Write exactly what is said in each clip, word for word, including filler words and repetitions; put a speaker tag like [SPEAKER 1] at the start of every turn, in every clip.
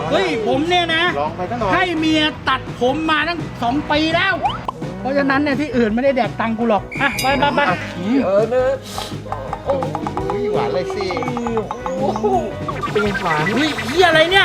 [SPEAKER 1] เฮ้ยผมเนี่ยนะ
[SPEAKER 2] ลองไปตั้งหน่อย
[SPEAKER 1] ให้เมียตัดผมมาตั้งสองปีแล้ว เพราะฉะนั้นเนี่ยที่อื่นไม่ได้แดกตังกูหรอกอ่ะไปไปไป
[SPEAKER 3] เออเนอะ
[SPEAKER 2] โอ้ยหวานเลยสิ
[SPEAKER 3] โอ้โหเป็นหวาน
[SPEAKER 1] เฮ้ยเหี้ยอะไรเนี่ย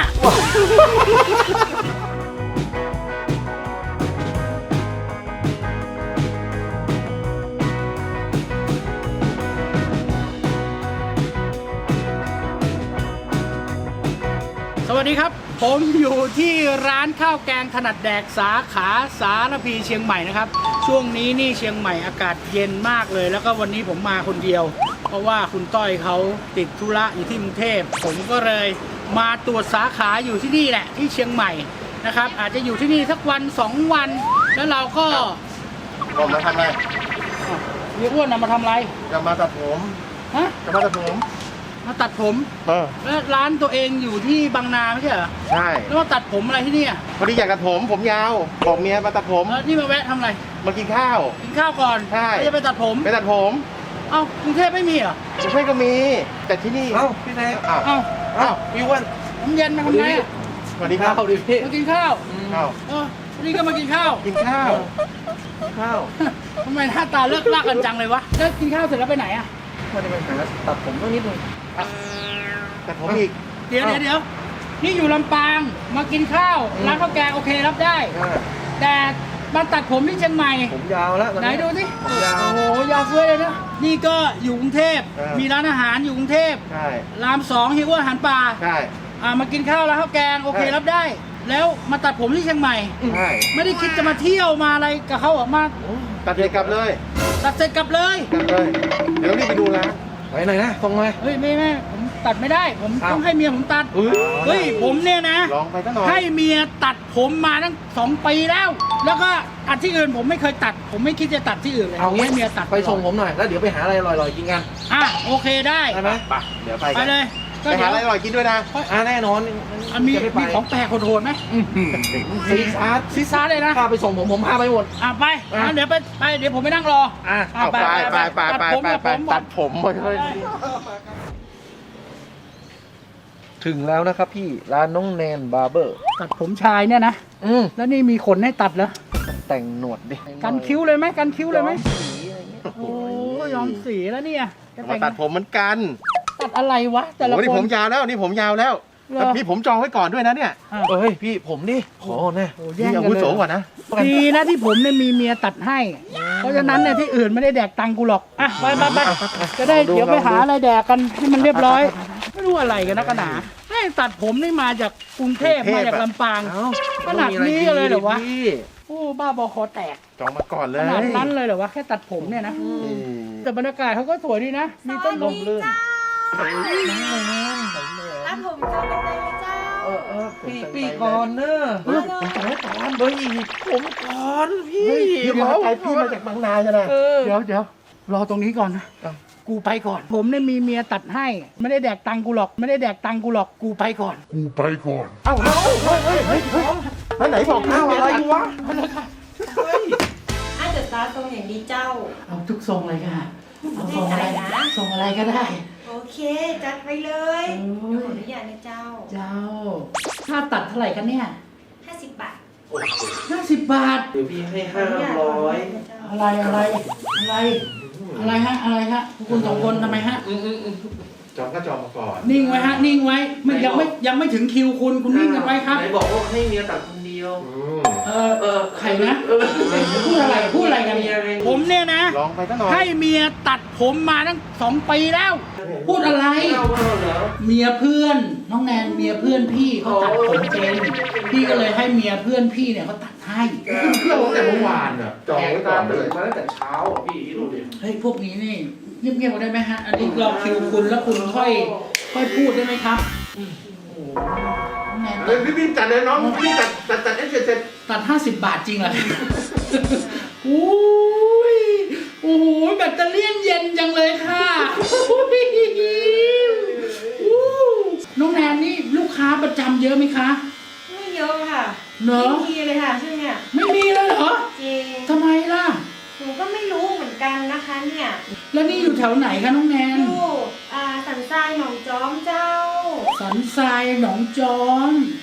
[SPEAKER 1] สวัสดีครับ ผมอยู่ที่ร้านข้าวแกงถนัดแดกสาขาสารพีเชียงใหม่นะครับช่วงนี้นี่เชียงใหม่อากาศเย็นมากเลย แล้วก็วันนี้ผมมาคนเดียว เพราะว่าคุณต้อยเขาติดธุระอยู่ที่กรุงเทพผมก็เลยมาตรวจสาขาอยู่ที่นี่แหละที่เชียงใหม่นะครับอาจจะอยู่ที่นี่สักวันสองวัน แล้วเราก็
[SPEAKER 2] ผมมาทำอะไร
[SPEAKER 1] เรียกว่านะมาทำอะไร
[SPEAKER 2] จะมาตัดผม
[SPEAKER 1] ฮะ
[SPEAKER 2] จะมาตัดผม
[SPEAKER 1] มาตัดผม
[SPEAKER 2] เออ
[SPEAKER 1] แล้วร้านตัวเองอยู่ที่บางนาไม่ใช่เหรอ
[SPEAKER 2] ใช่
[SPEAKER 1] แล้วมาตัดผมอะไรที่นี่อ่ะ
[SPEAKER 2] พอดีอยากตัดผมผมยาวบอกเมียมาตัดผม
[SPEAKER 1] แล้วนี่มาแวะทำอะไร
[SPEAKER 2] มากินข้าว
[SPEAKER 1] กินข้าวก่อน
[SPEAKER 2] ใช่
[SPEAKER 1] แล้วจะไปตัดผม
[SPEAKER 2] ไปตัดผม
[SPEAKER 1] เอ้ากรุงเทพไม่มีเหรอ
[SPEAKER 2] ไม่ใช่ก็มี แต่ที่นี่
[SPEAKER 3] เอ้าพี่แนก
[SPEAKER 2] อ้าว
[SPEAKER 1] เอ้า
[SPEAKER 2] อ้าว
[SPEAKER 3] พี่อ้วน
[SPEAKER 1] น้ำเย็นมาทำไงอ่ะ
[SPEAKER 2] สวัสดีครับ
[SPEAKER 3] ข้าวดิพี่
[SPEAKER 1] มากินข้าว
[SPEAKER 2] ข้าว
[SPEAKER 1] เออนี่ก็มากินข้าว
[SPEAKER 2] กินข้าว
[SPEAKER 3] ข้าว
[SPEAKER 1] ทำไมหน้าตาเลิกลากกันจังเลยวะแล้วกินข้าวเสร็จแล้วไปไหนอ่ะ
[SPEAKER 3] มาจะไปหาตัดผมต้องนิดนึง
[SPEAKER 2] ตัดผมอีก
[SPEAKER 1] เดี๋ยวเดี๋ยวเดี๋ยวนี่อยู่ลำปางมากินข้าวร้านข้าวแกงโอเครับได้
[SPEAKER 3] อ่า
[SPEAKER 1] แต่มาตัดผมที่เชียงใหม่
[SPEAKER 3] ผมยาวแล้วตอน
[SPEAKER 1] ไหน
[SPEAKER 3] นี้
[SPEAKER 1] ดูสิ
[SPEAKER 3] ผมยาว
[SPEAKER 1] โอ้โหยาวเฟ้ยเลยนะนี่ก็อยู่กรุงเทพ
[SPEAKER 2] เออ
[SPEAKER 1] มีร้านอาหารอยู่กรุงเทพ
[SPEAKER 2] ใช่
[SPEAKER 1] รามสองฮิวอาหารป่า
[SPEAKER 2] ใช่
[SPEAKER 1] อ่ามากินข้าวแล้วข้าวแกงโอเค
[SPEAKER 2] ใช่
[SPEAKER 1] รับได้ แล้วมาตัดผมที่เชียงใหม่
[SPEAKER 2] ใช่
[SPEAKER 1] ไม่ได้คิดจะมาเที่ยวมาอะไรกับเขาหรอกมา
[SPEAKER 2] ตัดเลยกลับเลย
[SPEAKER 1] ตัดเสร็จกลับเลย
[SPEAKER 2] กลับเลย เดี๋ยวรีบไปดูร้าน
[SPEAKER 3] ไปไหนนะตรงไหม
[SPEAKER 1] เฮ้ยไม่ไม่ผมตัดไม่ได้ ผม
[SPEAKER 3] อ้าว
[SPEAKER 1] ต้องให้เมียผมตัด
[SPEAKER 2] เฮ้ย
[SPEAKER 1] เฮ้ยผมเนี่ยนะ
[SPEAKER 2] ลองไปตั้งหน่อย
[SPEAKER 1] ให้เมียตัดผมมาตั้งสองปีแล้ว แล้วก็ตัดที่อื่นผมไม่เคยตัด ผมไม่คิดจะตัดที่อื่นเลย
[SPEAKER 3] เอางี้
[SPEAKER 1] ให้เมียตัด
[SPEAKER 3] ไปส่งผมหน่อยแล้วเดี๋ยวไปหาอะไรอร่อยๆกินกัน
[SPEAKER 1] อ่ะโอเคได้
[SPEAKER 3] ได้ไหม
[SPEAKER 2] ไปเดี๋ยวไป
[SPEAKER 1] ไป
[SPEAKER 2] กัน
[SPEAKER 1] เลยก็
[SPEAKER 2] ไป
[SPEAKER 1] เดี๋
[SPEAKER 2] หา
[SPEAKER 1] ยว
[SPEAKER 2] อะไรอร่อยกินด้วยนะ
[SPEAKER 3] อ่าแน่นอน
[SPEAKER 1] อ่ะมี
[SPEAKER 3] จะได้ไป
[SPEAKER 1] มีของแปลกโหดๆไหม
[SPEAKER 3] ซีซาร์
[SPEAKER 1] ซีซ่าเลยนะ
[SPEAKER 3] พาไปส่งผมผมพาไปหมด
[SPEAKER 1] อ่ะไป
[SPEAKER 3] อ่ะ
[SPEAKER 1] งั้นเดี๋ยวไปไปเดี๋ยวผมไปนั่งรอ
[SPEAKER 3] อ่ะ
[SPEAKER 1] อ่ะ
[SPEAKER 2] เอาไปไปไปไป
[SPEAKER 1] ตัด
[SPEAKER 2] ไป
[SPEAKER 1] ผม
[SPEAKER 2] ไป
[SPEAKER 1] ตัด
[SPEAKER 2] ไป
[SPEAKER 1] ผม
[SPEAKER 2] ตัดผมมาเลย
[SPEAKER 3] ถึงแล้วนะครับพี่ร้านน้องแนนบาร์เบอร์
[SPEAKER 1] ตัดผมชายเนี่ยนะ
[SPEAKER 3] อืม
[SPEAKER 1] แล้วนี่มีขนให้ตัดเหรอ
[SPEAKER 3] แต่งหนวดดิ
[SPEAKER 1] กันคิ้วเลยไหมกันคิ้วเลยไหม
[SPEAKER 3] สีอะไรเงี้ย
[SPEAKER 1] โอ้ยอมสีแล้วเนี่ยจะ
[SPEAKER 2] มา
[SPEAKER 1] แต่ง
[SPEAKER 2] ตัดผมเหมือนกัน
[SPEAKER 1] ตัดอะไรวะแต่ละ
[SPEAKER 2] โอ้นี่
[SPEAKER 1] ค
[SPEAKER 2] ผ
[SPEAKER 1] น
[SPEAKER 2] มยาวแล้วนี่ผมยาวแล้ว
[SPEAKER 1] เหรอ
[SPEAKER 2] นี่ผมจองไว้ก่อนด้วยนะเนี่ย
[SPEAKER 1] อ้าว
[SPEAKER 3] เฮ้ยพี่ผมดิขอแน่
[SPEAKER 1] โอ้แย่
[SPEAKER 2] นี่
[SPEAKER 1] ง
[SPEAKER 2] อา
[SPEAKER 1] กัน
[SPEAKER 2] วุ
[SPEAKER 1] เล
[SPEAKER 2] โส
[SPEAKER 1] ย
[SPEAKER 2] กว่านะ
[SPEAKER 1] ดีนะที่ผมเนี่ยมีเมียตัดให้ เพราะฉะนั้นเนี่ยที่อื่นไม่ได้แดกตังกูหรอกอ่ะไปไปไปจะได้เดี๋ยวไปหาอะไรแดกกันให้มันเรียบร้อย ไม่รู้อะไรกันนะกระหนาให้ตัดผมนี่มาจากกรุงเทพ
[SPEAKER 2] กรุงเทพ
[SPEAKER 1] มาจากลำปาง
[SPEAKER 3] เอ้า
[SPEAKER 1] ขนาดนี้เลยเหรอวะ
[SPEAKER 3] พี่
[SPEAKER 1] โอ้บ้าบอคอแตก
[SPEAKER 2] จองมาก่อนเล
[SPEAKER 1] ข
[SPEAKER 2] ย
[SPEAKER 1] นาดนั้นเลยเหรอวะแค่ตัดผมเนี่ยนะ
[SPEAKER 2] อืม
[SPEAKER 1] แต่บรรยากาศเขาก็สวยดีนะ มีต้นลมลื่น
[SPEAKER 4] รับผมเจ้ากันเลยเจ้า
[SPEAKER 3] เออเออพี่พี่ก่อนเนอะ
[SPEAKER 2] เฮ้ยผมจองไว้ก่อน
[SPEAKER 3] เฮ้ยผมก่อนพี่
[SPEAKER 2] เฮ้ยเดี๋ยว
[SPEAKER 3] ขอ
[SPEAKER 2] ไอพี่มาจากบางนาใช่ไหม
[SPEAKER 3] เออ
[SPEAKER 1] เดี๋ยวเดี๋ยวรอตรงนี้ก่อนนะ
[SPEAKER 3] อ่ะ
[SPEAKER 1] กูไปก่อน ผมเนี่ยมีเมียตัดให้ ไม่ได้แดกตังกูหรอก ไม่ได้แดกตังกูหรอก กูไปก่อน
[SPEAKER 2] เอ้าเฮ้ยเฮ้ยเฮ้ยเฮ้ยเฮ้ยแล้วไหนบอกข้าวอะไรวะ
[SPEAKER 4] อาจจะตาตรงอย่างดีเจ้า
[SPEAKER 1] เอาทุกทรงเลยค่ะเอาทรงอะไร
[SPEAKER 4] แน่ใจนะ
[SPEAKER 1] ทรงอะไรก็ได้
[SPEAKER 4] โอเค จัดไปเลย
[SPEAKER 1] โอ้ย
[SPEAKER 4] ขออนุญาตนะเจ้า
[SPEAKER 1] เจ้า ค่าตัดเท่าไหร่กันเนี่ย
[SPEAKER 4] ห้าสิบบาท
[SPEAKER 1] ห้าสิบบาท
[SPEAKER 3] เดี๋ยวพี่ให้ห้า
[SPEAKER 4] ขออนุญต
[SPEAKER 3] ร้อย
[SPEAKER 4] นะเจ้า
[SPEAKER 1] อะไรอะไร อะไร อะไรฮะ อะไรฮะ คุณสองคนทำไมฮะ
[SPEAKER 2] จองก็จองมาก่อน
[SPEAKER 1] นิ่งไว้ฮะ นิ่งไว้ มันยังไม่ยังไม่ถึงคิวคุณ คุณนิ่งกันไว้ครับ
[SPEAKER 3] ไหนบอกว่าให้เมียตัดคนเดียว
[SPEAKER 2] อืม
[SPEAKER 1] เออ
[SPEAKER 3] เออ
[SPEAKER 1] ใครนะ
[SPEAKER 3] เออ
[SPEAKER 1] พูดอะไร พูดอะไรกันเนี่ยผมเนี่ยนะ
[SPEAKER 2] ลองไปตั้งหน่อย
[SPEAKER 1] ให้เมียตัดผมมาตั้งสองปีแล้ว พูดอะไร
[SPEAKER 3] เอาเอาเหรอ
[SPEAKER 1] เมียเพื่อน น้องแนนเมียเพื่อนพี่เขาตัดผมเป็นพี่ก็เลยให้เมียเพื่อนพี่เนี่ยเขาตัดให้
[SPEAKER 2] เครื่องตั้งแต่เมื่อวานอ่ะจองไว้ก่อนเลย
[SPEAKER 3] มาตั้งแต่เช้าอ่ะพี่ดูดิ
[SPEAKER 1] เฮ้ยพวกนี้นี่เงียบๆได้ไหมฮะ อันนี้รอคิวคุณแล้วคุณค่อยค่อยพูดได้ไหมครับโอ้โหน้องแนน
[SPEAKER 2] เฮ้ยพี่พี่จัดเลยน้องพี่จัดจัดจัดให้เสร็จเสร็จ
[SPEAKER 1] ตัดห้าสิบบาทจริงเหรอ โอ้ยโอ้โหแบตเตอรี่เย็นจังเลยค่ะอุ้ยอู้น้องแนนนี่ลูกค้าประจำเยอะไหมคะ
[SPEAKER 4] ไม่เยอะค่ะ
[SPEAKER 1] เหรอ
[SPEAKER 4] ไม่มีเลยค่ะช่วงเนี้ย
[SPEAKER 1] ไม่มีเลยเหรอ
[SPEAKER 4] จริง
[SPEAKER 1] ทำไมล่ะ
[SPEAKER 4] หนูก็ไม่รู้เหมือนกันนะคะเนี่ย
[SPEAKER 1] แล้วนี่อยู่แถวไหนคะน้องแนน
[SPEAKER 4] อยู่อ่าสันทรายหนองจอมเจ้า
[SPEAKER 1] สันทรายหนองจอม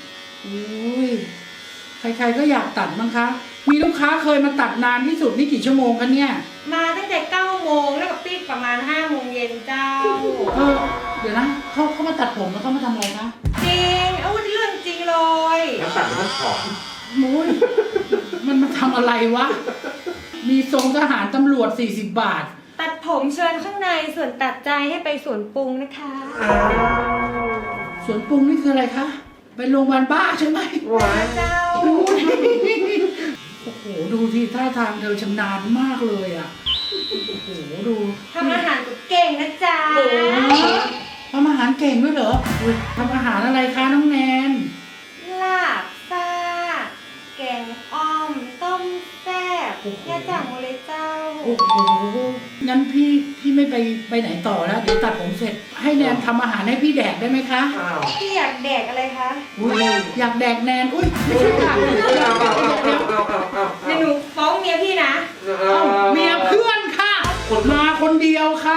[SPEAKER 1] อุ้ยใครๆก็อยากตัดมั้งคะ มีลูกค้าเคยมาตัดนานที่สุดนี่กี่ชั่วโมงกันเนี่ย
[SPEAKER 4] มาตั้งแต่เก้าโมงแล้วก็ปิดประมาณห้าโมงเย็นเจ้า
[SPEAKER 1] เออเดี๋ยวนะเขาเขามาตัดผมแล้วเขามาทำอะไรคะ
[SPEAKER 4] จริงเอาเรื่องจริงเลย
[SPEAKER 2] แล้วตัดมันถอน
[SPEAKER 1] มุ้ยมันมาทำอะไรวะ มีทรงทหารตำรวจสี่สิบบาท
[SPEAKER 4] ตัดผมเชิญข้างในส่วนตัดใจให้ไปสวนปรุงนะคะ
[SPEAKER 1] สวนปรุงนี่คืออะไรคะ ไปโรงพยาบาลบ้าใช่ไหม
[SPEAKER 4] เจ้า
[SPEAKER 1] โอ้โห ดูที่ท่าทางเธอชำนาญมากเลยอ่ะ โอ้โห ดู
[SPEAKER 4] ทำอาหารก็เก่งนะจ๊ะ
[SPEAKER 1] ทำอาหารเก่งด้วยเหรออุ๊ยทำอาหารอะไรคะน้องแนน
[SPEAKER 4] ลาบซ่าแกงอ่อม ต้มแซ่บย่าจ่างหมดเลยเจ้า
[SPEAKER 1] โอ้โห งั้นพี่พี่ไม่ไปไปไหนต่อแล้ว เดี๋ยวตัดผมเสร็จ ให้แนนทำอาหารให้พี่แดกได้ไหมคะ
[SPEAKER 2] อ้าว
[SPEAKER 4] พี่อยากแดกอะไรคะ
[SPEAKER 1] อุ้ยอยากแดกแนน อุ้ยไม่ใช่ค่ะเดี๋ยวเดี๋ยวเดี๋ยวเดี๋ยว
[SPEAKER 4] เดี๋ยวหนูฟ้องเมียพี่นะ
[SPEAKER 1] เอ้าเมียเพื่อนค่ะ มาคนเดียวค่ะ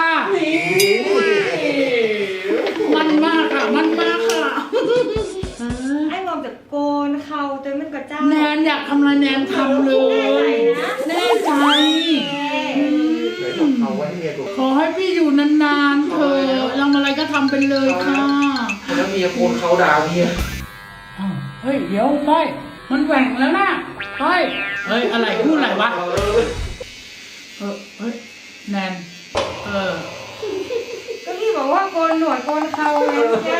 [SPEAKER 1] มันมากค่ะ มันมากค่ะเออ
[SPEAKER 4] ไอ้มอมจะโกนเขาจนมันก็เจ้า
[SPEAKER 1] แนนอยากทำอะไรแนนทำเลย แน่ใจ
[SPEAKER 2] ไหนบอกเอาไว้ให้เมียดู
[SPEAKER 1] ขอให้พี่อยู่นานๆเธอะทำอะไรก็ทำไปเลยค่ะ
[SPEAKER 3] แล้วเมียโคนเขาดาวเมีย
[SPEAKER 1] อ้าวเฮ้ย เดี๋ยวไปมันแหว่งแล้วนะไปเฮ้ย อะไรพูดอะไรวะ เออเฮ้ย แนน เออ
[SPEAKER 4] ก็พี่บอกว่าโกนหนวดโกนเขาไงเนี่ย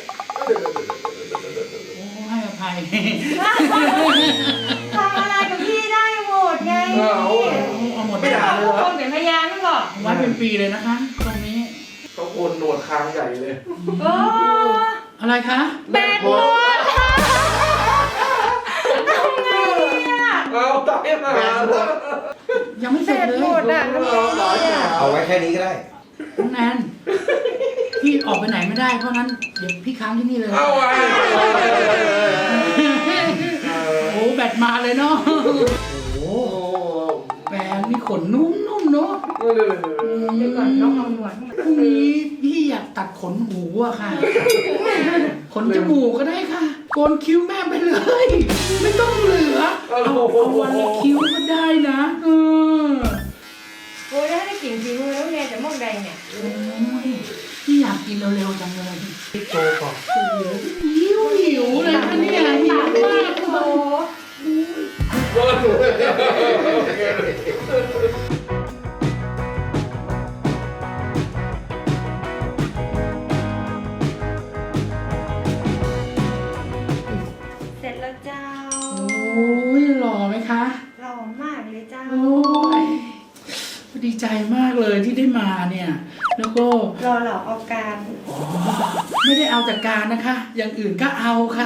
[SPEAKER 1] โอ้ให้อภัย
[SPEAKER 4] ทำอะไรกับพี่ได้หมดไง
[SPEAKER 1] เอาหมด
[SPEAKER 4] ไม่
[SPEAKER 1] ไม่
[SPEAKER 4] ได้
[SPEAKER 1] ได้
[SPEAKER 4] ทุกคนเป็นพยานไม่บอก
[SPEAKER 1] ไว้เป็นปีเลยนะคะ ตรงนี้
[SPEAKER 3] เขาโคนหนวดคางใหญ่เลย
[SPEAKER 4] โอ้
[SPEAKER 1] อะไรคะ
[SPEAKER 4] แบดหมดทำไงอ่ะ
[SPEAKER 3] เอาตายมา
[SPEAKER 1] ยังไม่เส
[SPEAKER 4] แบ
[SPEAKER 1] ร็จ
[SPEAKER 4] ด
[SPEAKER 1] เลย
[SPEAKER 4] หมดอ่ะทำไงอ่ะ
[SPEAKER 2] เอาไว้แค่นี้ก็ได้
[SPEAKER 1] น้องแนน พี่ออกไปไหนไม่ได้ เพราะนั้นเดี๋ยวพี่ค้างที่นี่เลย
[SPEAKER 3] เอาไว้
[SPEAKER 1] โอ้แบตมาเลยเนาะ โอ้แปรงนี่ขนนุ่มๆเนาะ
[SPEAKER 4] เดี๋ยวก่อนน้องเอาหนวด
[SPEAKER 1] พรุ่งนี้พี่อยากตัดขนหูอะค่ะ ขนจมูกก็ได้ค่ะ โกนคิ้วแม่ไปเลย ไม่ต้องเหลือ เอาเอาวันละคิ้วก็ได้นะเออ
[SPEAKER 4] โอ้ยถ้าได้กลิ่นฝีมือแล้วเนี่ยจะมองแดงเนี่ย
[SPEAKER 1] โอ้ยพี่อยากกินเร็วๆจังเลย
[SPEAKER 2] พี่โจก่อน
[SPEAKER 1] หิวหิวเลยค่ะเนี่ยหิวมาก
[SPEAKER 4] โอ้ เสร็จแล้วเจ้า
[SPEAKER 1] โอ้ยหล่อไหมคะ
[SPEAKER 4] หล่อมากเลยเจ้า
[SPEAKER 1] โอ้ยดีใจมากเลยที่ได้มาเนี่ย แล้วก็
[SPEAKER 4] รอหล่อเอาการ
[SPEAKER 1] ไม่ได้เอาแต่การนะคะ อย่างอื่นก็เอาค่ะ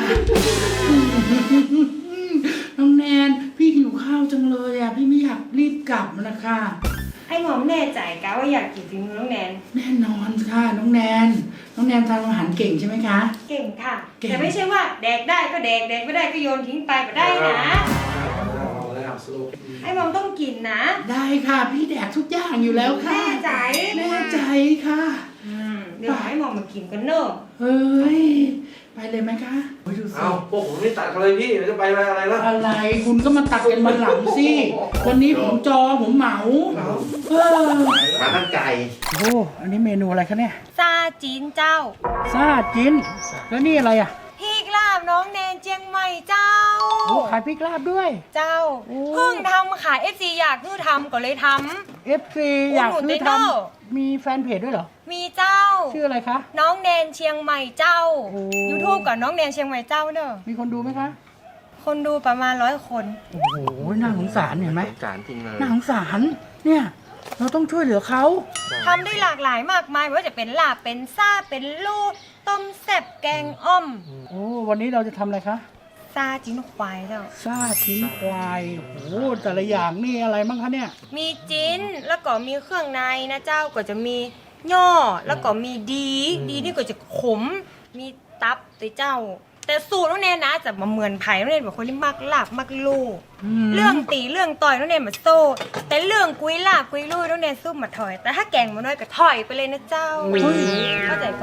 [SPEAKER 1] น้องแนน พี่หิวข้าวจังเลยอ่ะ พี่ไม่อยากรีบกลับนะคะ
[SPEAKER 4] ไอ้หมอมแน่ใจกะว่าอยากกินฝีมือน้องแนน
[SPEAKER 1] แน่นอนค่ะ น้องแนน น้องแนนทำอาหารเก่งใช่ไหมคะ
[SPEAKER 4] เก่งค่ะ
[SPEAKER 1] เก่ง
[SPEAKER 4] แต่ไม่ใช่ว่าแดกได้ก็แดกแดกไม่ได้ก็โยนทิ้งไปก็ได้นะ
[SPEAKER 3] เอาแล้วสรุป
[SPEAKER 4] ไอ้หมอมต้องกินนะ
[SPEAKER 1] ได้ค่ะ พี่แดกทุกอย่างอยู่แล้วค่ะ
[SPEAKER 4] แน่ใจ
[SPEAKER 1] แน่ใจค่ะ
[SPEAKER 4] อืมเดี๋ยวให้หมอมมากินกันเนอะ
[SPEAKER 1] เฮ้ย ไปเลยไหมคะโอ้ยดูสิ
[SPEAKER 3] เอาพวกผมไม่ตัดกันเลยพี่เดี๋ยวจะไปอะไรล่ะ
[SPEAKER 1] อะไรคุณก็มาตัดกันมาหลังสิ วันนี้ผมจอผมเหมาเออ
[SPEAKER 2] มาตั้งใจ
[SPEAKER 1] โอ้อันนี้เมนูอะไรคะเนี่ย
[SPEAKER 4] ซาจีนเจ้า
[SPEAKER 1] ซาจิน แล้วนี่อะไรอ่ะ
[SPEAKER 4] พริกลาบน้องแนนเจียงใหม่เจ้า
[SPEAKER 1] โอ้ขายพริกลาบด้วย
[SPEAKER 4] เจ้า
[SPEAKER 1] โอ้
[SPEAKER 4] เพิ่งทำขาย เอฟ ซี อยากคือทำก็เลยท
[SPEAKER 1] เอฟซีอยาก
[SPEAKER 4] อุดหนุน
[SPEAKER 1] ซื้อ
[SPEAKER 4] ได้เน
[SPEAKER 1] ท
[SPEAKER 4] อะ
[SPEAKER 1] ำมีแฟนเพจด้วยเหรอ
[SPEAKER 4] ำมีเจ้า
[SPEAKER 1] ชื่ออะไรคะ
[SPEAKER 4] น้องแนนเชียงใหม่เจ้า
[SPEAKER 1] โอ้
[SPEAKER 4] YouTube กับน้องแนนเชียงใหม่เจ้าเนอะ
[SPEAKER 1] มีคนดูไหมคะ
[SPEAKER 4] คนดูประมาณร้อยคน
[SPEAKER 1] โอ้โห น่าสงสารเห็นไหม
[SPEAKER 3] จานจริงเลย
[SPEAKER 1] น่าสงสาร เนี่ย เราต้องช่วยเหลือเขา
[SPEAKER 4] ทำได้หลากหลายมากมายไม่ว่าจะเป็นลาบเป็นซ่าเป็นลูกต้มแซ่บแกงอ่อม
[SPEAKER 1] โอ้ วันนี้เราจะทำอะไรคะ
[SPEAKER 4] ซาจิ้นควายเจ้า
[SPEAKER 1] ซาชิ้นควาย โอ้โห แต่ละอย่างนี่อะไรบ้างคะเนี่ย
[SPEAKER 4] มีจิ้นแล้วก็มีเครื่องในนะเจ้าก็จะมีย่อแล้วก็มีดี ดีนี่ก็จะขม มีตับตัวเจ้า แต่สูตรน้องแนนนะจะมาเหมือนไผ่น้องแนนแบบคนที่มักลาบมักลูก
[SPEAKER 1] ม
[SPEAKER 4] เรื่องตีเรื่องต่อยน้องแนนมาโซ่แต่เรื่องกุยลาบกุยลุยน้องแนนสู้มาถอย แต่ถ้าแกงมาน้อยก็ถอยไปเลยนะเจ้า
[SPEAKER 1] อุ้ย
[SPEAKER 4] เข้าใจก่อน
[SPEAKER 1] โ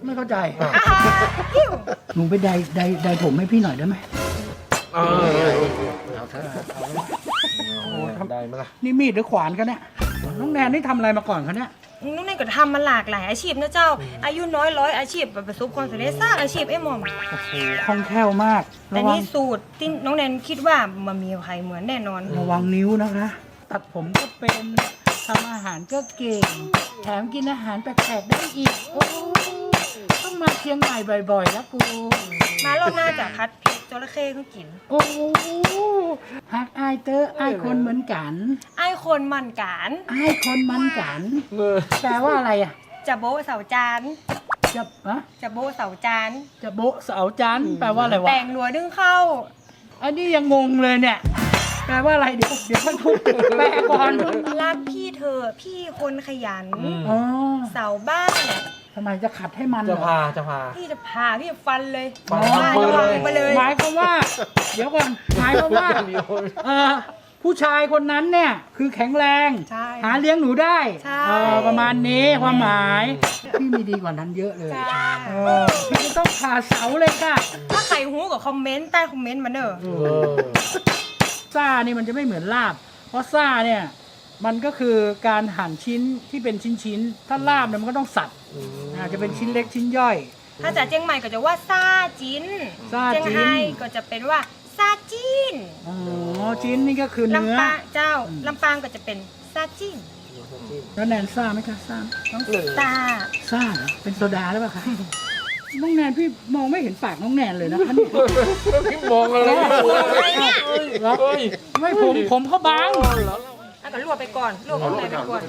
[SPEAKER 1] ไม่เข้าใจ
[SPEAKER 4] อ่าหิว
[SPEAKER 1] หนูไปใดใดใดผมให้พี่หน่อยได้ไหม
[SPEAKER 3] เออ
[SPEAKER 2] เอาเถอะ
[SPEAKER 3] ได้ไหมล่ะ
[SPEAKER 1] นี่มีดหรือขวานกันเนี่ยน้องแนนนี่ทำอะไรมาก่อนคะเนี่ย
[SPEAKER 4] น้องแนนก็ทำมาหลากหลายอาชีพนะเจ้า อายุน้อยร้อยอาชีพประสบความสำเร็จสร้างอาชีพไอ้หม่อม
[SPEAKER 1] โอ้โหคล่องแคล่วมาก
[SPEAKER 4] แต่
[SPEAKER 1] ระวัง
[SPEAKER 4] นี่สูตรที่น้องแนนคิดว่ามันมีใครเหมือนแน่นอน
[SPEAKER 1] ระวังนิ้วนะคะ ตัดผมก็เป็นทำอาหารก็เก่ง แถมกินอาหารแปลกๆได้อีกโอ้ต้องมาเชียงใหม่บ่อยๆแล้วกู
[SPEAKER 4] มารอบหน้าจะพัดพริกจระเข้เขากิน
[SPEAKER 1] โอ้ฮักอายเตอร์อายคนเหมือนกัน
[SPEAKER 4] ไอ้คนมันการ
[SPEAKER 1] อายคนมันกัน
[SPEAKER 3] เออ
[SPEAKER 1] แปลว่าอะไรอ่ะ
[SPEAKER 4] จะโบะเสาจาน
[SPEAKER 1] จะอะ
[SPEAKER 4] จะโบะเสาจาน
[SPEAKER 1] จะโบะเสาจันทร์แปลว่าอะไรวะ
[SPEAKER 4] แต่งหนัวดึงเข้า
[SPEAKER 1] อันนี้ยังงงเลยเนี่ย แปลว่าอะไรเดี๋ยวเดี๋ยวท่านทุกแปลก่อน
[SPEAKER 4] รักพี่เธอพี่คนขยัน
[SPEAKER 1] อ๋อ
[SPEAKER 4] เสาบ้าน
[SPEAKER 1] ทำไมจะขัดให้มันเหร
[SPEAKER 3] จะ
[SPEAKER 1] อ
[SPEAKER 3] พาจะพา
[SPEAKER 4] พี่จะพาพี่จะฟันเลย
[SPEAKER 3] ฟัน
[SPEAKER 4] บ้า
[SPEAKER 3] ฟัน
[SPEAKER 4] จะวาง
[SPEAKER 3] เลย
[SPEAKER 4] ไปเลย
[SPEAKER 1] หมายความว่า เดี๋ยวก่อนหมายความว่าเออผู้ชายคนนั้นเนี่ยคือแข็งแรง
[SPEAKER 4] ใช่
[SPEAKER 1] หาเลี้ยงหนูได้
[SPEAKER 4] ใช่
[SPEAKER 1] เออประมาณนี้ความหมายพี่มีดีกว่านั้นเยอะเลย
[SPEAKER 4] จ้า
[SPEAKER 1] เออพี่จะต้องผ่าเสาเลยค่ะ
[SPEAKER 4] ถ้าใครหูก็คอมเมนต์ใต้คอมเมนต์มาเนอะ
[SPEAKER 3] เออ
[SPEAKER 1] ซ่านี่มันจะไม่เหมือนลาบ เพราะซ่าเนี่ยมันก็คือการหั่นชิ้นที่เป็นชิ้นๆถ้าลาบเนี่ยมันก็ต้องสับอาจจะเป็นชิ้นเล็กชิ้นย่อย
[SPEAKER 4] ถ้าจากเจียงใหม่ก็จะว่าซาจิน
[SPEAKER 1] ซาจิ้น
[SPEAKER 4] เจียงไฮ้ก็จะเป็นว่าซาจิน
[SPEAKER 1] อ๋อชิ้นนี่ก็คือเนื้อ
[SPEAKER 4] ลำปางเจ้าลำปางก็จะเป็นซาจิน
[SPEAKER 1] แล้วแนนซ่าไหมคะซ่า
[SPEAKER 4] น้องตา
[SPEAKER 1] ซ่าเหรอเป็นโซดาหรือเปล่าคะน้องแนนพี่มองไม่เห็นปากน้องแนนเลยนะคะเนี่ย
[SPEAKER 3] พี่มองอะไรไม่รู้
[SPEAKER 4] อะไรเนี่ย
[SPEAKER 1] เหรอไม่ผมผมเขาบาง
[SPEAKER 4] อ่ะก็ลวกไปก่อนลวกข้างในไปก่อน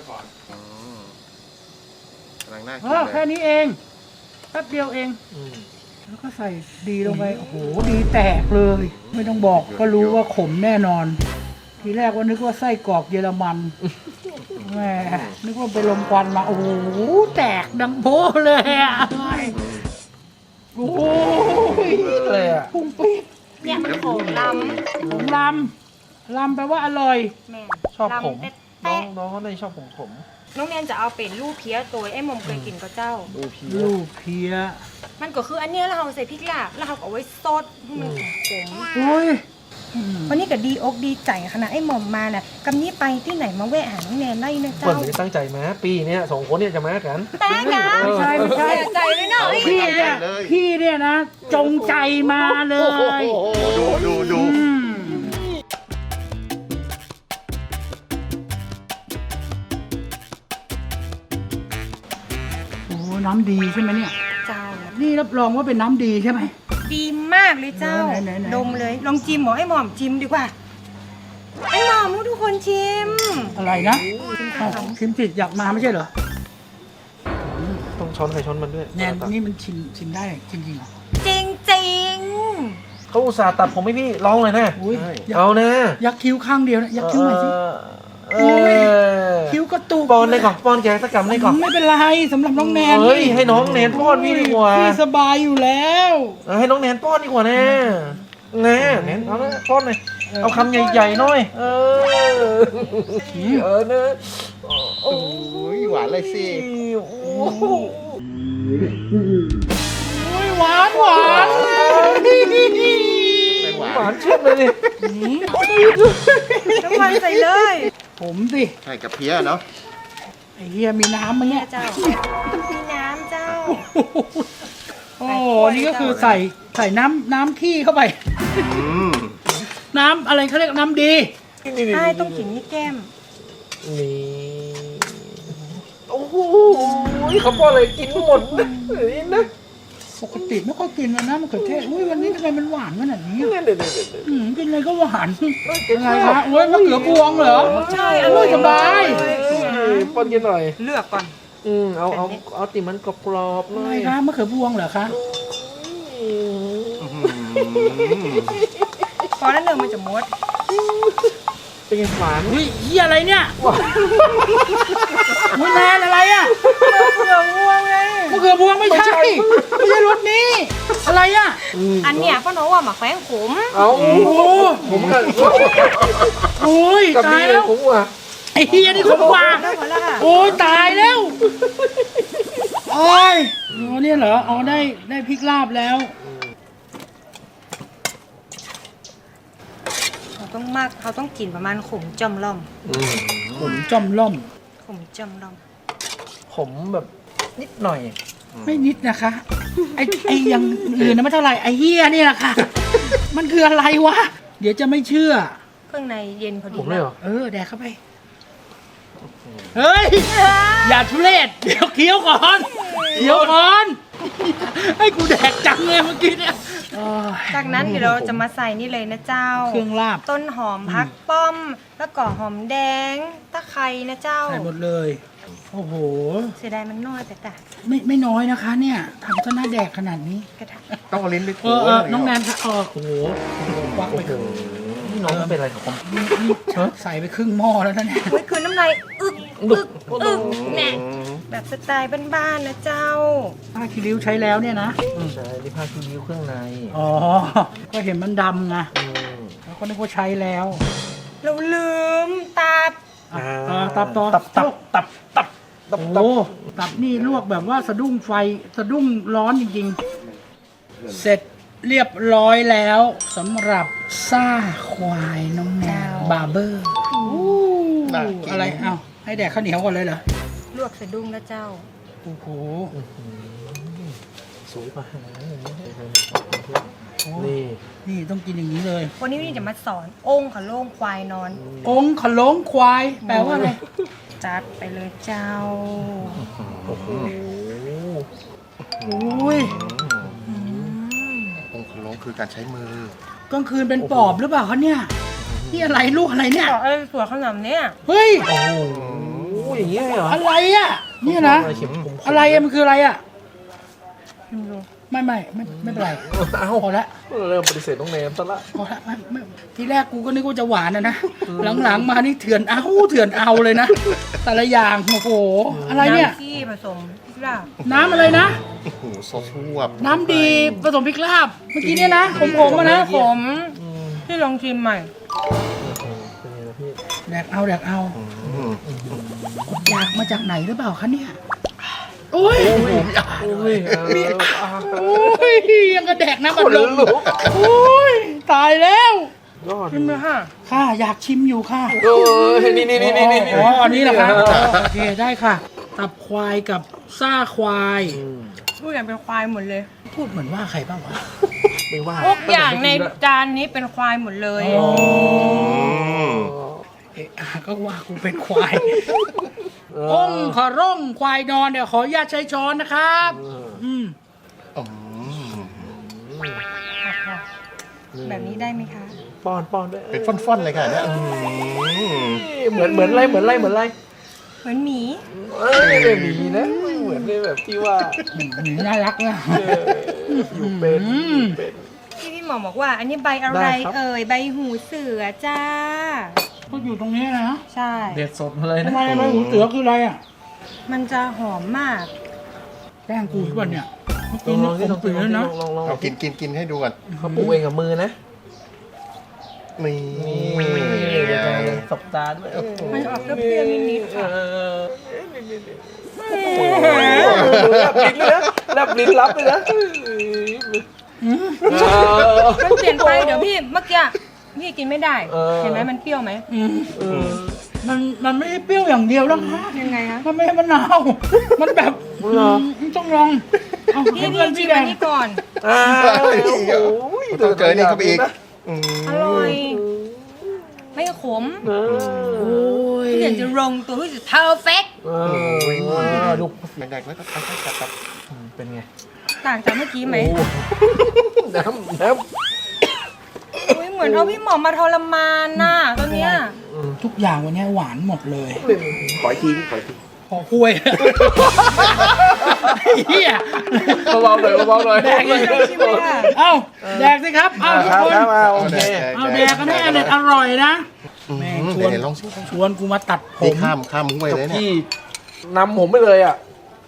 [SPEAKER 2] กำลังน่า
[SPEAKER 1] เอ
[SPEAKER 2] กิน
[SPEAKER 1] อ
[SPEAKER 2] เล
[SPEAKER 1] แค่
[SPEAKER 2] ย
[SPEAKER 1] นี้เองแป๊บเดียวเอง
[SPEAKER 3] อืม
[SPEAKER 1] แล้วก็ใส่ดีลงไปโอ้โหดีแตกเลย ไม่ต้องบอกก็รู้ว่าขมแน่นอน ทีแรกว่านึกว่าไส้กรอกเยอรมันแหมนึกว่าไปลมควันมาโอ้โหแตกดังโบ้เลยอ่ะโอ้ย
[SPEAKER 3] เลยอ่ะ
[SPEAKER 1] พุ่งปี๊ด
[SPEAKER 4] เนี่ยมันโขงล
[SPEAKER 1] ผมลำลำแปลว่าอร่อย
[SPEAKER 4] ำแม่
[SPEAKER 3] ชอบผม
[SPEAKER 4] ลำ
[SPEAKER 3] น้อ
[SPEAKER 4] แตะ
[SPEAKER 3] งน้องเขาในชอบผมผม
[SPEAKER 4] น้องแนนจะเอาเป็นลูกเพี้ยตัวไอ้หมอมเคยกินก็เจ้า
[SPEAKER 3] ดูพี
[SPEAKER 1] ลูกเพีย
[SPEAKER 4] มันก็คืออันเนี้ยแล้วเราใส่พริกลาบแล้วเราก็เอาไว้ซดให้มันขม
[SPEAKER 1] โอ้ย
[SPEAKER 4] วันนี้ก็ดีอกดีใจขนาดไอ้หมอมมาน่ะกำนี้ไปที่ไหนมาแวะหาน้องแนนได้นะ
[SPEAKER 3] เปิด
[SPEAKER 4] เจ้า
[SPEAKER 3] ไม่ได้ตั้งใจมาปีเนี้ยสองคนเนี่ยจะมากัน
[SPEAKER 4] แต่นะ
[SPEAKER 1] ไม่ใช่ไม่ใช่
[SPEAKER 4] เสียใจเลยเนาะไอ้
[SPEAKER 1] พี่
[SPEAKER 4] เนี่ย
[SPEAKER 1] เนี่ยพี่เนี่ยนะ จงใจมาเลย
[SPEAKER 2] ดูดูดู
[SPEAKER 1] อืมโอ้น้ำดีใช่ไหมเนี่ย
[SPEAKER 4] เจ้า
[SPEAKER 1] นี่รับรองว่าเป็นน้ำดีใช่ไหม
[SPEAKER 4] ดีมากเลยเจ้า
[SPEAKER 1] ไหนไหนไหน
[SPEAKER 4] ดมเลย ลองชิมหมอไอ้หมอมชิมดีกว่า ไอ้หมอมทุกคนชิม
[SPEAKER 1] อะไรนะอ้าวชิมจิตอยากมาไม่ใช่เหรอ
[SPEAKER 3] ต้องช้อนใครช้อนมันด้วย
[SPEAKER 1] แนนนี่มันชิมชิมได้จริงๆเหรอ
[SPEAKER 4] จริงจริง
[SPEAKER 3] เขาอุตส่าห์ตัดผมให้พี่ลองเลยนะ
[SPEAKER 1] อุ้ยอยาก
[SPEAKER 3] เอานะ
[SPEAKER 1] ยักคิ้วข้างเดียวนะยักคิ้วหน่อยสิ
[SPEAKER 3] เอ
[SPEAKER 1] โอ้ย
[SPEAKER 3] อ
[SPEAKER 1] คิ้วกระตุก
[SPEAKER 3] ป้อนได้ก่อนป้อนแกสักกำได้ก่อน
[SPEAKER 1] ไม่เป็นไรสำหรับน้องแนน
[SPEAKER 3] เฮ้ยให้น้องแนนป้อนพี่ดีกว่า
[SPEAKER 1] พี่สบายอยู่แล้ว
[SPEAKER 3] เออให้น้องแนนป้อนดีกว่านะแน่แนนเอาละป้อนหน่อยเอาคำใหญ่ๆหน่อย เออเออเนอะ
[SPEAKER 2] โอ้ยหวานเลยสิ
[SPEAKER 3] โอ้โห
[SPEAKER 1] อุ้ยหวานหวาน
[SPEAKER 2] ไม่หวา
[SPEAKER 3] หวาน นเชื่อเลยดิ
[SPEAKER 4] น้ำมันใส่เลย
[SPEAKER 1] ผมสิ
[SPEAKER 2] ใช่กับเพี้ยเนาะ
[SPEAKER 1] ไอ้เฮียมีน้ำมั้ยเนี่ย
[SPEAKER 4] เจ้า มีน้ำเจ้า
[SPEAKER 1] โอ้นี่ก็คือใส่ใส่น้ำน้ำขี้เข้าไป
[SPEAKER 2] อืม
[SPEAKER 1] น้ำอะไรเขาเรียกน้ำดี
[SPEAKER 4] ใช่ต้องกินนี่แก้ม
[SPEAKER 3] นี่โอ้โหเขาป้อนอะไรกินหมดนี่นะ
[SPEAKER 1] ปกติไม่ค่อยกินเลยนะมะเขือเทศอุ้ยวันนี้ทำไมมันหวานขนาดนี้
[SPEAKER 3] เดี๋
[SPEAKER 1] อะ
[SPEAKER 3] ยวเดี๋ยวเดี๋ยวเดี๋ยว
[SPEAKER 1] อืมกินอะไรก็หวานยังไงคะโอ้ยมะเขือพวงเหรอ
[SPEAKER 4] ใช่
[SPEAKER 1] อร่อยสบาย
[SPEAKER 3] ป้อนกินหน่อย
[SPEAKER 4] เลือกก่อน
[SPEAKER 3] อืมเอาเอาเอาติมันกรอบๆหน่
[SPEAKER 1] อะ
[SPEAKER 3] อ
[SPEAKER 1] ไร
[SPEAKER 3] ย
[SPEAKER 1] คะมะเขือพวงเหรอคะ
[SPEAKER 3] อืม
[SPEAKER 2] อื้อหือ
[SPEAKER 4] พอแล้วเนื้อมันจะมด
[SPEAKER 3] เป็นไงหวาน
[SPEAKER 1] อุ้ยเฮียอะไรเนี่ยอุ้ยแนนอะไรอ่ะ
[SPEAKER 4] เผือกม่วงไง
[SPEAKER 1] มะเขือพวงไม่ใช่ไม่ใช่รสนี้ อะไรอ่ะ
[SPEAKER 4] อันเนี้ยป้าน้องว่าหมาแขวงขม
[SPEAKER 3] เอา
[SPEAKER 1] โอ้โห
[SPEAKER 3] ผมกับ
[SPEAKER 1] โอ้ย
[SPEAKER 3] กับ
[SPEAKER 1] ตา
[SPEAKER 3] นี่
[SPEAKER 1] ย
[SPEAKER 3] เล
[SPEAKER 1] แล้
[SPEAKER 3] ยว ผมว่ะ
[SPEAKER 1] ไอ้เฮียนี่ขมกว่า
[SPEAKER 4] ได้หมดแล้วค่ะ
[SPEAKER 1] โอ้ยตายแล้วโอ้ยอ๋อเนี่ยเหรออ๋อได้ได้พริกลาบแล้ว
[SPEAKER 4] เขาต้องมากเขาต้องกินประมาณขมจอมล่อม
[SPEAKER 1] ผมจอมล่อม
[SPEAKER 4] ขมจอมล่อม
[SPEAKER 3] ผมแบบนิดหน่อย
[SPEAKER 1] ไม่นิดนะคะไอ้ไอ้อยังอื่นนะไม่เท่าไหร่ไอ้เฮียนี่แหละค่ะ มันคืออะไรวะ เดี๋ยวจะไม่เชื่อ
[SPEAKER 4] เครื่องในเย็นพอดี
[SPEAKER 3] ผมเลยเหรอ
[SPEAKER 1] เออแดกเข้าไป เฮ้ย อย่าทุเรศเดี๋ยวเคี้ยวก่อนเคี้ยวก่อน ให้กูแดกจังเลยเมื่อกี้เนี่ยโอ้ย
[SPEAKER 4] จากนั้นเดี๋ยวเราจะมาใส่นี่เลยนะเจ้า
[SPEAKER 1] เครื่องลาบ
[SPEAKER 4] ต้นหอมพักป้อม แล้วก็หอมแดง ตะไคร้นะเจ้า
[SPEAKER 1] ใส่หมดเลย โอ้โห
[SPEAKER 4] เสียดายมันน้อยแต่กะ
[SPEAKER 1] ไม่ไม่น้อยนะคะ เนี่ยทำซะหน้าแดกขนาดนี้
[SPEAKER 4] กระทะ
[SPEAKER 2] ต้องเอาลิ้นไป
[SPEAKER 1] เอ
[SPEAKER 2] ถู
[SPEAKER 1] อเออ
[SPEAKER 2] อะไร
[SPEAKER 1] น้องแน
[SPEAKER 2] เย
[SPEAKER 1] นค่ะเออโอ้โหควักไปครึ่ง
[SPEAKER 3] นี่น้องเป็นอะไรกับผม
[SPEAKER 1] นี่นี่ใส่ไปครึ่งหม้อแล้วนะเนี่ย
[SPEAKER 4] เฮ้ยคือน้ำลายอึกอึกอึกแน่แบบสไตล์บ้านๆนะเจ้า
[SPEAKER 1] ผ้าคีริ้วใช้แล้วเนี่ยนะ
[SPEAKER 3] ใช่ที่ผ้าคีริ้วเครื่องใน
[SPEAKER 1] อ๋อ ก็เห็นมันดำไง
[SPEAKER 3] อืม
[SPEAKER 1] แล้วก็นึกว่าใช้แล้ว
[SPEAKER 4] เราลืมตาบ
[SPEAKER 1] อ่ะอ่าตับต่อ
[SPEAKER 3] ตับตับตับตับตับ
[SPEAKER 1] โอ้
[SPEAKER 3] ตับ
[SPEAKER 1] ตับนี่ลวกแบบว่าสะดุ้งไฟสะดุ้งร้อนจริงๆ เสร็จเรียบร้อยแล้วสำหรับซ่าควายน้องแนวบาร์เบอร์อะไรเอ้าให้แดกข้าวเหนียวก่อนเลยเหรอ
[SPEAKER 4] ลวกสะดุ้งนะเจ้า
[SPEAKER 1] โอ้โห
[SPEAKER 3] สวยมากนี่
[SPEAKER 1] นี่ต้องกินอย่างนี้เลย
[SPEAKER 4] วันนี้นี่จะมาสอนองค์ขะโล่งควายนอน
[SPEAKER 1] องค์ขลงควาย แปลว่าอะไร
[SPEAKER 4] จัดไปเลยเจ้า
[SPEAKER 3] โอ้โห
[SPEAKER 1] โอ้ย
[SPEAKER 2] องค์ขลงคือการใช้มือ
[SPEAKER 1] กลางคืนเป็นปอบหรือเปล่าคะเนี่ยนี่อะไรลูกอะไรเนี่ย
[SPEAKER 4] บอกเอ้ยสวยขนาดเนี้ย
[SPEAKER 1] เฮ้ย
[SPEAKER 3] โอ้โหอย่างนี้เลยเหรอ
[SPEAKER 1] อะไรอ่ะเนี่ยนะ
[SPEAKER 3] เข็มผม
[SPEAKER 1] อะไรอะมันคืออะไรอ่ะ
[SPEAKER 4] ชิมดู
[SPEAKER 1] ไม่ไม่ไม่ไม่เป็นไร
[SPEAKER 3] เอ้า
[SPEAKER 1] พอละ
[SPEAKER 3] เริ่มปฏิเสธน้องเนมซะละ
[SPEAKER 1] พอละไม่ไม่ทีแรกกูก็นึกว่าจะหวานนะนะหลังๆมานี่เถื่อนเอาเถื่อนเอาเลยนะแต่ละอย่างโอ้โหอะไรเนี่ย
[SPEAKER 4] น้ำที่ผสมพริกลาบ
[SPEAKER 1] น้ำอะไรนะ
[SPEAKER 2] โอ้โหซอสชวบ
[SPEAKER 1] น้ำดีผสมพริกลาบเมื่อกี้เนี่ยนะขมๆมานะ
[SPEAKER 4] ผ
[SPEAKER 1] ผม
[SPEAKER 4] มที่ลองชิมใหม่
[SPEAKER 3] เป็นไงล่ะพี่
[SPEAKER 1] แดกเอาแดกเอา
[SPEAKER 2] อืม
[SPEAKER 1] อยากมาจากไหนหรือเปล่าคะเนี่ยโอ้ย
[SPEAKER 3] โอ้ยเอออ่ะ
[SPEAKER 1] โอ้ยยังกระแดกน้ำ
[SPEAKER 3] ข
[SPEAKER 1] มัน
[SPEAKER 3] น
[SPEAKER 1] ลม
[SPEAKER 3] ลุก
[SPEAKER 1] โอ้ยตายแล้ว
[SPEAKER 3] ยอด
[SPEAKER 4] ชิมเลยค่ะ
[SPEAKER 1] ค่ะอยากชิมอยู่ค่ะ
[SPEAKER 3] เออนี่นี่นี่นี่นี่
[SPEAKER 1] อ๋ออันนี้แหละครับโอเคได้ค่ะ ตับควายกับซ่าควาย
[SPEAKER 4] ทุกอย่างเป็นควายหมดเลย
[SPEAKER 1] พูดเหมือนว่าใครบ้างวะ
[SPEAKER 3] ไม่ว่า
[SPEAKER 4] ทุกอย่างในจานนี้เป็นควายหมดเลย
[SPEAKER 1] อ๋อ
[SPEAKER 2] อืม
[SPEAKER 1] เอะอ่ะก็ว่ากูเป็นควายองค์ขร่องควายนอนเดี๋ยวขออนุญาตใช้ช้อนนะครับ อืม
[SPEAKER 2] อืม
[SPEAKER 4] แบบนี้ได้ไหมคะ
[SPEAKER 3] ป้อนป้อนด้วย
[SPEAKER 2] เป็นฟ่อนๆเลยค่ะเนี่ยอืม
[SPEAKER 3] เหมือนเหมือนอะไรเหมือนอะไรเหมือนอะไร
[SPEAKER 4] เหมือนหมี
[SPEAKER 3] เอ้ยไม่มีนะไม่เหมือนในแบบที่ว่า
[SPEAKER 1] อืมน่ารักนะ
[SPEAKER 3] เอออยู่เป็นอยู่เป็น
[SPEAKER 4] ที่พี่หมอบอกว่า อันนี้ใบอะไร
[SPEAKER 3] ได้ครับ
[SPEAKER 4] เอ่ยใบหูเสือจ้า
[SPEAKER 1] ก็อยู่ตรงนี้นะ
[SPEAKER 4] ใช่
[SPEAKER 3] เด็ดสดมาเลย
[SPEAKER 1] ทำ
[SPEAKER 3] นะ
[SPEAKER 1] ไมทำไมหูเสือคืออะไรอ่ะ
[SPEAKER 4] มันจะหอมมาก
[SPEAKER 1] แป้งกูใช่ป่ะเนี่ยเมื่อ
[SPEAKER 3] ล
[SPEAKER 1] กี้
[SPEAKER 3] องล
[SPEAKER 1] นี่
[SPEAKER 3] อง
[SPEAKER 1] ผ
[SPEAKER 3] ที่ล
[SPEAKER 1] ม
[SPEAKER 3] อง
[SPEAKER 1] ตื่นแล้วนะ
[SPEAKER 3] ลองลอง
[SPEAKER 2] เอากินกินกินให้ดูก่อน
[SPEAKER 3] เขาปลูกเองกับมือนะ
[SPEAKER 2] นี่
[SPEAKER 3] นี่เดี๋ยวจะสบตาด้วย
[SPEAKER 4] มันจะออกเปรี้ยวๆนิดๆค่ะ
[SPEAKER 3] เออโอ้โหแลบลิ้นเลยนะแลบลิ้นรับเลยนะ
[SPEAKER 1] อืม
[SPEAKER 4] มันเปลี่ยนไปเดี๋ยวพี่เมื่อกี้พี่กินไม่ได้
[SPEAKER 3] เออ
[SPEAKER 4] เห็นไหมมันเปรี้ยวไหม
[SPEAKER 1] อืม
[SPEAKER 3] เออ
[SPEAKER 1] มันมันไม่ได้เปรี้ยวอย่างเดียวแล้วค่ะ
[SPEAKER 4] ยังไงคะ
[SPEAKER 1] มันไม่ใช่มะนาวมันแบบ
[SPEAKER 3] เหรอ
[SPEAKER 1] อืมต้องลองเอา
[SPEAKER 4] พี่
[SPEAKER 1] ให้
[SPEAKER 4] พี่
[SPEAKER 1] เพื่อน
[SPEAKER 4] ชิ
[SPEAKER 1] พี่
[SPEAKER 4] ม
[SPEAKER 1] แด
[SPEAKER 4] อั
[SPEAKER 1] ง
[SPEAKER 4] นนี้ก่อน
[SPEAKER 3] อ้าวโอ้โห
[SPEAKER 2] ต้องเจอนี่เข้าไปอีกอืม
[SPEAKER 4] อร่อย ไม่ขม
[SPEAKER 3] เออ
[SPEAKER 1] โอ้ย
[SPEAKER 4] พี่เห็นจะลงตัวพี่จะ perfect
[SPEAKER 3] เออดู
[SPEAKER 2] แดกๆแล้วก็ไปๆจับ
[SPEAKER 3] เป็นไง
[SPEAKER 4] ต่างจากเมื่อกี้ไหม
[SPEAKER 3] โอ้น้ำน้
[SPEAKER 4] อุ้ยเหมือนเอาพี่หมอมาทรมานน่ะตอนเนี้ย
[SPEAKER 3] ำ
[SPEAKER 1] ทุกอย่างวันนี้หวานหมดเลย
[SPEAKER 2] ขออีกทีขออีกที
[SPEAKER 1] พอคุยเฮีย
[SPEAKER 3] เบาๆหน่อยเบาๆหน่อย
[SPEAKER 1] แดกอีก
[SPEAKER 4] ชิมเลยค่ะ
[SPEAKER 1] เอ้าแดกสิครับ เอ้าทุก
[SPEAKER 3] ครับ
[SPEAKER 1] คน
[SPEAKER 3] ครับเอาโอเค
[SPEAKER 1] เอาแดกกันให้อร่อยอร่อยนะ แม่งชวน
[SPEAKER 2] เดี๋ยวลองสิ
[SPEAKER 1] ชวนกูมาตัดผ
[SPEAKER 2] นี่
[SPEAKER 1] ม
[SPEAKER 2] ข้ามข้ามห้วยเลยเนี่ย
[SPEAKER 3] พี่นำผมไปเลยอ่ะ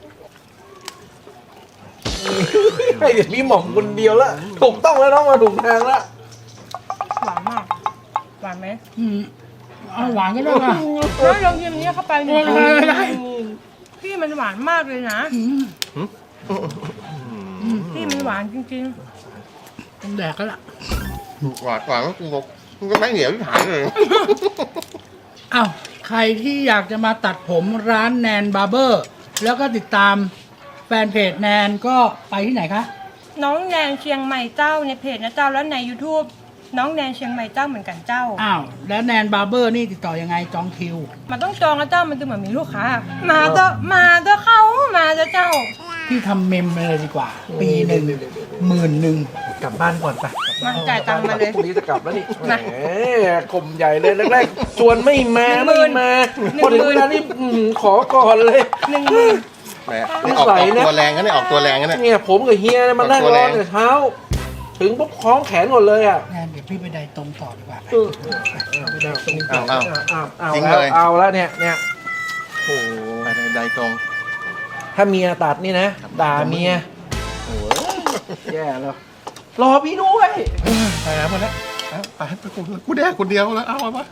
[SPEAKER 3] ให้เดี๋ยวพี่หม่อมคนเดียวละถูกต้องแล้วน้องมาถูกทางละ
[SPEAKER 4] หวานมาก หวานไหม
[SPEAKER 1] อืมเอาหวานก็ได้ป่ะ
[SPEAKER 4] แล้วลองชิมนี้เข้าไปหนึ่ง
[SPEAKER 1] ได้ได้ได้
[SPEAKER 4] พี่มันหวานมากเลยนะ
[SPEAKER 1] อืม
[SPEAKER 4] พี่มันหวานจริง
[SPEAKER 1] ต้องแดกแล้วล่ะ
[SPEAKER 2] หวานหวานก็กูบอกกูก็ไม่เหนียวที่หายเลย
[SPEAKER 1] อ้าวใครที่อยากจะมาตัดผมร้านแนนบาร์เบอร์ แล้วก็ติดตามแฟนเพจแนนก็ไปที่ไหนคะ
[SPEAKER 4] ๆ น้องแนนเชียงใหม่เจ้าในเพจนะเจ้าแล้วใน YouTube น้องแนนเชียงใหม่เจ้าเหมือนกันเจ้า
[SPEAKER 1] อ้าวแล้วแนนบาร์เบอร์นี่ติดต่อยังไงจองคิว
[SPEAKER 4] มันต้องจองนะเจ้ามันจะเหมือนมีลูกค้า มาเถอะมาเถอะเข้ามาเถอะเจ้า
[SPEAKER 1] พี่ทำเมมเลยดีกว่า ปีหนึ่งหมื่นหนึ่ง
[SPEAKER 3] กลับบ้านก่อนไป
[SPEAKER 4] มาจ่ายตังค์มาเลย
[SPEAKER 3] พรุ่งนี้จะกลับแล้วนี่แหม
[SPEAKER 4] มา
[SPEAKER 3] กลมใหญ่เลยแรกๆชวนไม่มา
[SPEAKER 4] หนึ่
[SPEAKER 3] ไม่
[SPEAKER 4] งหมื่น
[SPEAKER 3] มา
[SPEAKER 4] หนึ่ง
[SPEAKER 3] พอถึง
[SPEAKER 4] หมื่
[SPEAKER 3] เวน ลานี้อื้อหือขอก่อนเลย
[SPEAKER 4] หนึ่งหมื่น
[SPEAKER 2] แหมนี่ออกออกตัวแรงกันเนี่ยออกตัวแรงกันเนี่ย
[SPEAKER 3] เนี่ยผมกับเฮียเนี่ยมานั่ง
[SPEAKER 2] ตัว
[SPEAKER 3] ร
[SPEAKER 2] แร
[SPEAKER 3] อง แต่เช้า ถึงปุ๊บคล้องแขนหมดเลยอ่ะ
[SPEAKER 1] แนนเดี๋ยวพี่ไปไดตรงต่อดีกว่า
[SPEAKER 3] เออไม่ได้ตรงนี้
[SPEAKER 2] อ้าวอ้าว
[SPEAKER 3] อ้าวอ้าว
[SPEAKER 2] ทิ้ง
[SPEAKER 3] แล้ว
[SPEAKER 2] เลย
[SPEAKER 3] เอาแล้วเนี่ยเนี่ยโอ้โห
[SPEAKER 2] ไปใดตรง
[SPEAKER 3] ถ้าเมียตัดนี่นะด่าเมียโอ้ยแย่แล้วรอพี่ด้วย
[SPEAKER 2] ไปแล้วมาแล้วเอาไปไปกูกูแดกคนเดียวแล้วเอามา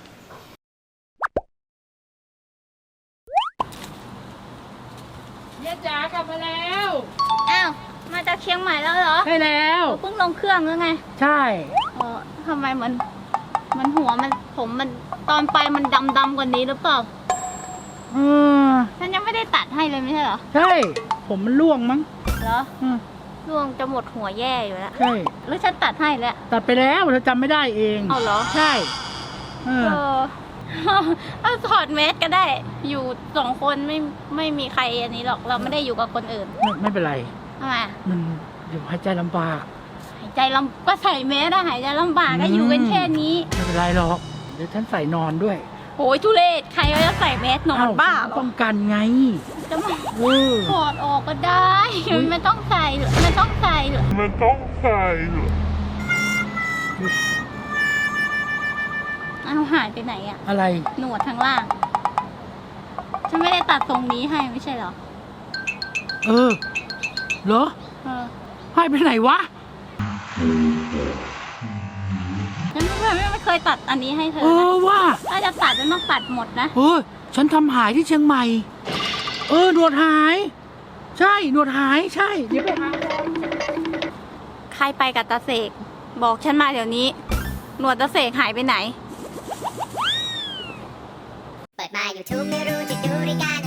[SPEAKER 1] เยจ๋ากลับมาแล้ว
[SPEAKER 5] อ้าว มาจากเชียงใหม่แล้วเหรอ
[SPEAKER 1] ได้แล้ว
[SPEAKER 5] เพิ่งลงเครื่องแล้วไง
[SPEAKER 1] ใช่
[SPEAKER 5] เออทำไมมัน มันหัวมันผมมันตอนไปมันดำดำๆกว่านี้หรือเปล่า
[SPEAKER 1] อืม
[SPEAKER 5] ฉันยังไม่ได้ตัดให้เลยไม่ใช่เหรอ
[SPEAKER 1] ใช่ ผมมันล่วงมั้ง
[SPEAKER 5] เหรอ
[SPEAKER 1] อืม
[SPEAKER 5] ร่วงจะหมดหัวแย่อยู่แล้ว
[SPEAKER 1] ใช่
[SPEAKER 5] หรือฉันตัดให้แล้ว
[SPEAKER 1] ตัดไปแล้วเธอจำไม่ได้เอง
[SPEAKER 5] เอาเหรอ
[SPEAKER 1] ใช่เอ
[SPEAKER 5] เอ
[SPEAKER 1] อ
[SPEAKER 5] อ เอาถอดแมสก็ได้ อยู่สองคนไม่ไม่มีใครอันนี้หรอก เราไม่ได้อยู่กับคนอื่น
[SPEAKER 1] ไม่ไม่เป็นไร
[SPEAKER 5] ทำไม
[SPEAKER 1] มันเดี๋ยวหายใจลำบาก
[SPEAKER 5] หายใจลำก็ใส่แมสอะหายใจลำบากก็อยู่กันแค่นี้
[SPEAKER 1] ไม่เป็นไรหรอก เดี๋ยวฉันใส่นอนด้วย
[SPEAKER 5] โอ้ยทุเรศใครเขาจะใส่แมสนอน
[SPEAKER 1] เอ้
[SPEAKER 5] บ้าเหรอ
[SPEAKER 1] ป้องกันไง
[SPEAKER 5] จะมา
[SPEAKER 1] เออ
[SPEAKER 5] ถอดออกก็ได้ ไม่ต้องใส่หรอกไม่ต้องใส่หรอกไม่ต้องใส่หรอกเอาหายไปไหนอะ
[SPEAKER 1] อะไร
[SPEAKER 5] หนวดทางล่าง ฉันไม่ได้ตัดตรงนี้ให้ไม่ใช่เหรอ
[SPEAKER 1] เออ เหรอ
[SPEAKER 5] เออ
[SPEAKER 1] ให้ไปไหนวะ
[SPEAKER 5] ฉันไม่เคยไม่เคยตัดอันนี้ให้เธ
[SPEAKER 1] เอ
[SPEAKER 5] อ
[SPEAKER 1] อ
[SPEAKER 5] นะ
[SPEAKER 1] ว่า
[SPEAKER 5] ถ้าจะตัดฉันต้องตัดหมดนะ
[SPEAKER 1] เออ ฉันทำหายที่เชียงใหม่ เออ หนวดหาย ใช่ หนวดหาย ใช่ เดี๋ยวไปหา
[SPEAKER 5] ใครไปกับตาเสกบอกฉันมาเดี๋ยวนี้ หนวดตาเสกหายไปไหน
[SPEAKER 6] เปิดมา YouTube ไม่รู้จะดูรายการ